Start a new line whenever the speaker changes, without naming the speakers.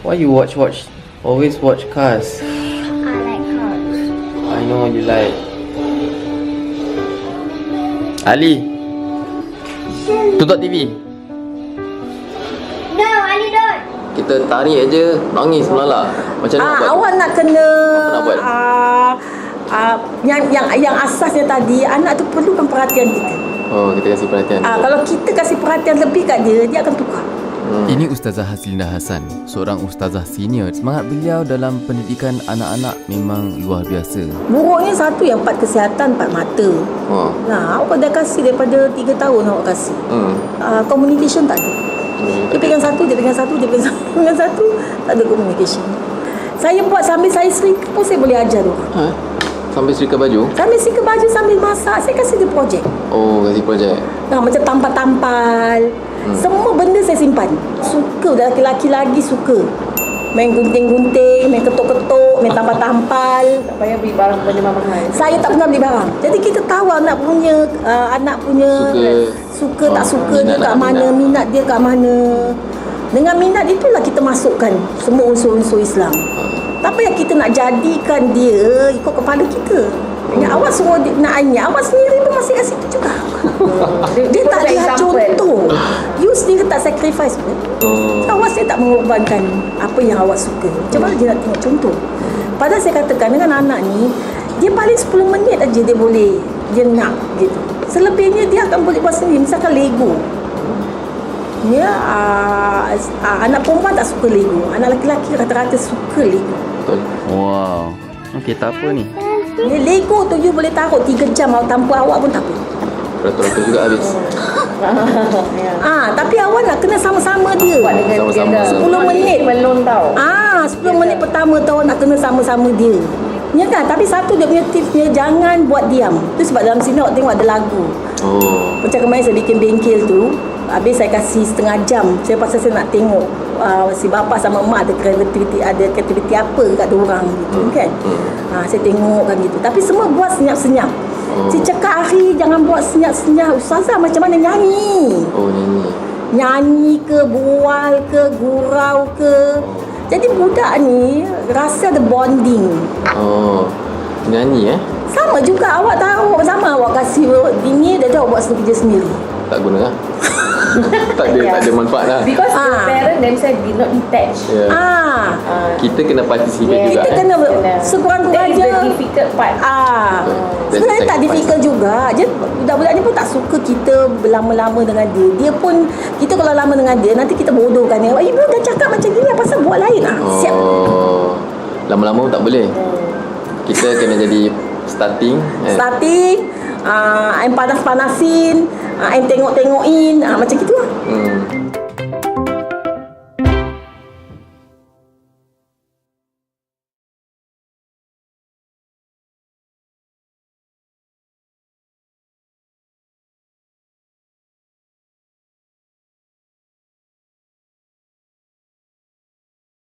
Why you watch? Always watch cars.
I like cars.
I know you like. Ali, tutup TV.
No, Ali don't.
Kita tarik aje, nangis melalak. Macam mana nak buat?
Awak nak kena
Apa nak buat?
yang asasnya tadi, anak tu perlukan perhatian kita.
Oh, kita kasih perhatian.
Kalau kita kasih perhatian lebih kat dia, dia akan tukar.
Ini Ustazah Haslinda Hassan, seorang ustazah senior. Semangat beliau dalam pendidikan anak-anak memang luar biasa.
Buruknya satu yang 4 kesihatan, 4 mata. Nah, awak dah kasih daripada 3 tahun awak kasih. Communication tak ada. Dia pegang satu, dia pegang satu, dia pegang satu, pegang satu, tak ada communication. Saya buat sambil saya setrika pun saya boleh ajar tu.
Sambil setrika baju?
Sambil setrika baju, sambil masak, saya kasih dia projek.
Oh, kasih projek.
Macam tampal-tampal. Semua benda saya simpan. Suka, dah lelaki lagi suka. Main gunting-gunting, main ketuk-ketuk, main tampal-tampal.
Tak payah beli barang benda mahal.
Saya tak pernah beli barang. Jadi kita tahu anak punya suka tak suka dia kat mana, minat dia kat mana. Dengan minat itulah kita masukkan semua unsur-unsur Islam. Tak payah kita nak jadikan dia ikut kepala kita. Awak suruh dia nak ayah, awak sendiri pun masih kat situ juga. Dia tak lihat contoh. You sendiri tak sacrifice pun. Awak sendiri tak mengorbankan apa yang awak suka. Macam mana dia nak tengok contoh? Padahal saya katakan dengan anak ni, dia paling 10 minit aja dia nak gitu. Selebihnya dia akan boleh buat sendiri. Misalkan Lego. Ya, anak perempuan tak suka Lego. Anak lelaki rata-rata suka Lego.
Betul.
Wow. Okey, tak apa ni.
Ni Lego tu you boleh taruh 3 jam tanpa awak pun tak apa.
Ratus-ratus juga habis.
Tapi awak nak kena sama-sama dia.
Sama-sama.
10 minit
Melon tau.
10 minit pertama tu awak nak kena sama-sama dia. Ya kan? Tapi satu dia punya tipsnya, jangan buat diam. Tu sebab dalam sini awak tengok ada lagu. Macam kemarin saya bikin bengkel tu, habis saya kasih setengah jam. Saya pasal saya nak tengok si bapa sama mak ada aktiviti apa kat diorang gitu kan. Saya tengok kan gitu. Tapi semua buat senyap-senyap. Si cakap hari jangan buat senyap-senyap. Ustazah macam mana nyanyi? Nyanyi ke, bual ke, gurau ke. Jadi budak ni rasa ada bonding.
Nyanyi
Sama juga awak tahu, sama awak kasih ini dia awak buat kerja sendiri.
Tak guna lah. tak ada manfaat lah.
Because the parent themselves did not detach.
Kita kena participate juga.
Kita kena sekurang-kurangnya.
That is the difficult part.
Sebenarnya tak difficult juga. Jadi budak-budak ni pun tak suka kita berlama-lama dengan dia. Dia pun, kita kalau lama dengan dia, nanti kita bodohkan dia. Ibu dah cakap macam gini, pasal buat lain siap.
Lama-lama pun tak boleh. Kita kena jadi starting. I'm panas-panasin, I'm tengok-tengokin, macam gitu lah.